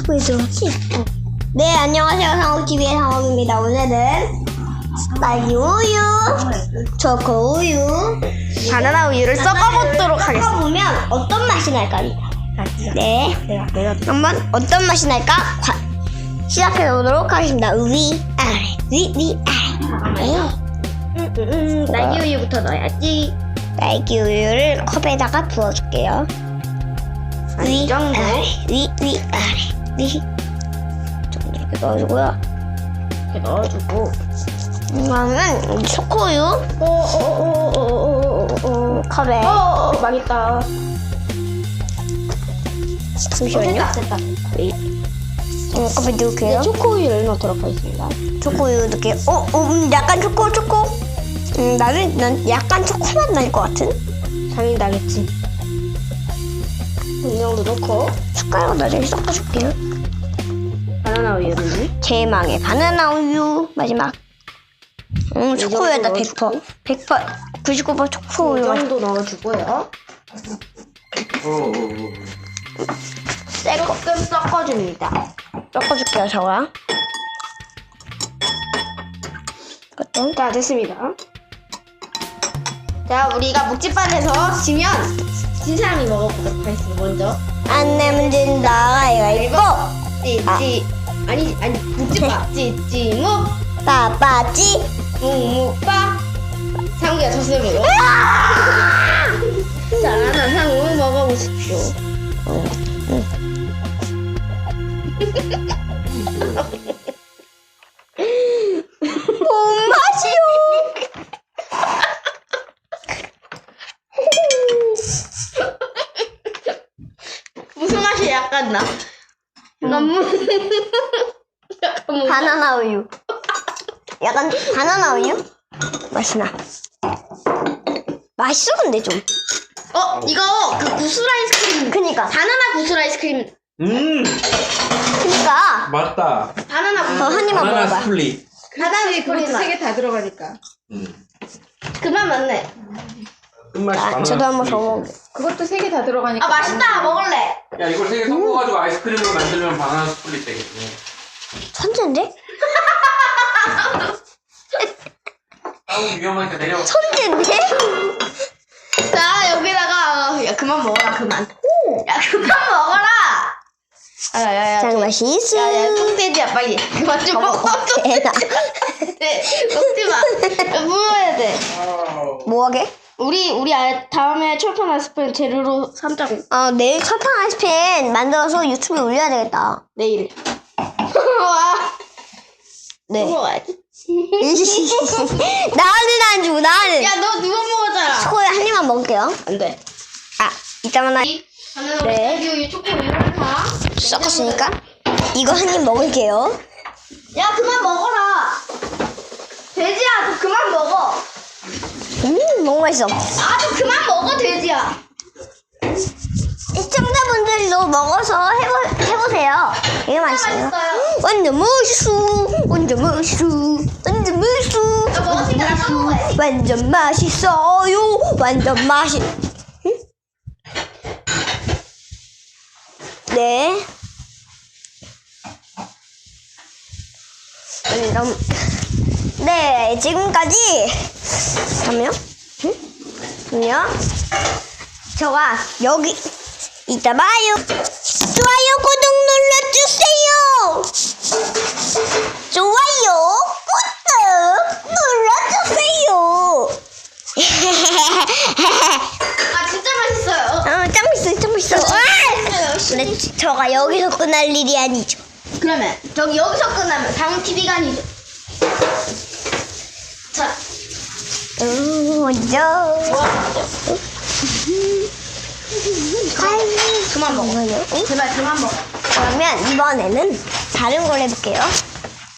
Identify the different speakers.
Speaker 1: 유튜브에 들어왔지? 네, 안녕하세요. 상욱TV의 상욱입니다. 오늘은 딸기 우유, 초코 우유, 바나나 우유를 섞어보도록 하겠습니다. 섞어보면 어떤 맛이 날까요? 네, 내가 한번 어떤 맛이 날까? 시작해보도록 하겠습니다. 위, 아래, 위, 아래. 딸기 우유부터 넣어야지. 딸기 우유를 컵에다가 부어줄게요. 위, 아래, 위, 아래, 위. 이렇게 넣어주고요. 이렇게 넣어주고. 그러면 초코우유. 컵에.
Speaker 2: 망했다.
Speaker 1: 잠시만요.
Speaker 2: 됐다.
Speaker 1: 컵에 넣을게요.
Speaker 2: 초코우유를 넣도록 하겠습니다.
Speaker 1: 초코우유 넣을게요. 약간 초코. 난 약간 초코맛 날 것 같은?
Speaker 2: 당연히 나겠지. 이 정도 넣고
Speaker 1: 숟가락으로 나중에 섞어줄게요.
Speaker 2: 바나나 우유를
Speaker 1: 제망의 바나나 우유 마지막. 초코우유다 100%. 99%
Speaker 2: 이
Speaker 1: 초코우유 맛.
Speaker 2: 정도 넣어주고요. 조금 섞어줍니다.
Speaker 1: 섞어줄게요, 저거랑. 이것도.
Speaker 2: 자, 됐습니다. 자, 우리가 묵찌반에서 지면 진 사람이 먹어보도록 하겠습니다. 먼저
Speaker 1: 안 내면 진다. 이거
Speaker 2: 찌찌 아니 묵찌밥 찌찌묵
Speaker 1: 빠빠찌.
Speaker 2: 묵묵밥 상우야 졌으므로 자, 나 상우 먹어보십시오.
Speaker 1: 뭔 맛이요?
Speaker 2: 무슨 맛이 약간 나? 약간
Speaker 1: 바나나 우유. 약간 바나나 우유? 맛이 나. 맛있어 근데 좀.
Speaker 2: 이거 그 구슬 아이스크림.
Speaker 1: 그니까.
Speaker 2: 바나나 구슬 아이스크림.
Speaker 1: 그니까.
Speaker 3: 맞다.
Speaker 2: 바나나 구슬.
Speaker 1: 한 입만
Speaker 3: 바나나
Speaker 1: 먹어봐.
Speaker 3: 스플릿.
Speaker 2: 바나나 스프릿 맛.
Speaker 4: 다 들어가니까.
Speaker 2: 그만 맞네.
Speaker 3: 끝맛이 바나나
Speaker 1: 저도 한번 더
Speaker 3: 스플릿.
Speaker 1: 먹을게요.
Speaker 4: 그것도 3개 다 들어가니까.
Speaker 2: 아, 맛있다. 먹을래.
Speaker 3: 야, 이걸 세 개 섞어가지고 아이스크림으로 만들면 바나나 스플릿 되겠네.
Speaker 1: 천재인데?
Speaker 3: 아우, 위험하니까 내려.
Speaker 1: 천재인데?
Speaker 2: 자, 여기다가 야, 그만 먹어라. 그만. 야, 그만 먹어라. 야야야.
Speaker 1: 장 맛있어.
Speaker 2: 야야, 똥돼지야 빨리. 그만 좀 먹어.
Speaker 1: 대다.
Speaker 2: 네, 먹지 마. 먹어야 돼.
Speaker 1: 뭐하게?
Speaker 2: 우리 다음에 철판 아이스크림 재료로 삼자고.
Speaker 1: 내일 철판 아이스팬 만들어서 유튜브에 올려야 되겠다.
Speaker 2: 내일. 와.
Speaker 1: 네.
Speaker 2: 먹어야지.
Speaker 1: 나는 안 주고 나는.
Speaker 2: 야, 너 누워 먹었잖아.
Speaker 1: 초코에 한 입만 먹을게요.
Speaker 2: 안 돼.
Speaker 1: 이따만
Speaker 2: 바나나
Speaker 1: 네.
Speaker 2: 우유, 초코우유를 다
Speaker 1: 섞었으니까 이거 한 입 먹을게요.
Speaker 2: 야, 그만 먹어라. 돼지야, 너 그만 먹어.
Speaker 1: 너무 맛있어.
Speaker 2: 너 그만 먹어, 돼지야.
Speaker 1: 시청자분들도 먹어서 해보세요. 되게 맛있어요.
Speaker 2: 맛있어요.
Speaker 1: 완전 맛있어. 완전 맛있어. 완전 맛있어.
Speaker 2: 너 먹었으니까 나 먹어야지.
Speaker 1: 완전 맛있어요. 완전 맛있. 네. 네, 지금까지. 잠깐만요. 잠깐만요. 저가 여기 이따 봐요. 좋아요, 구독 눌러주세요. 좋아요, 구독 눌러주세요.
Speaker 2: 진짜 맛있어요.
Speaker 1: 짱 맛있어. 근데 저가 여기서 끝날 일이 아니죠.
Speaker 2: 그러면 여기서 끝나면 다음 TV가 아니죠. 자,
Speaker 1: 먼저.
Speaker 2: 그만 먹어. 제발 그만 먹어.
Speaker 1: 그러면 이번에는 다른 걸 해볼게요.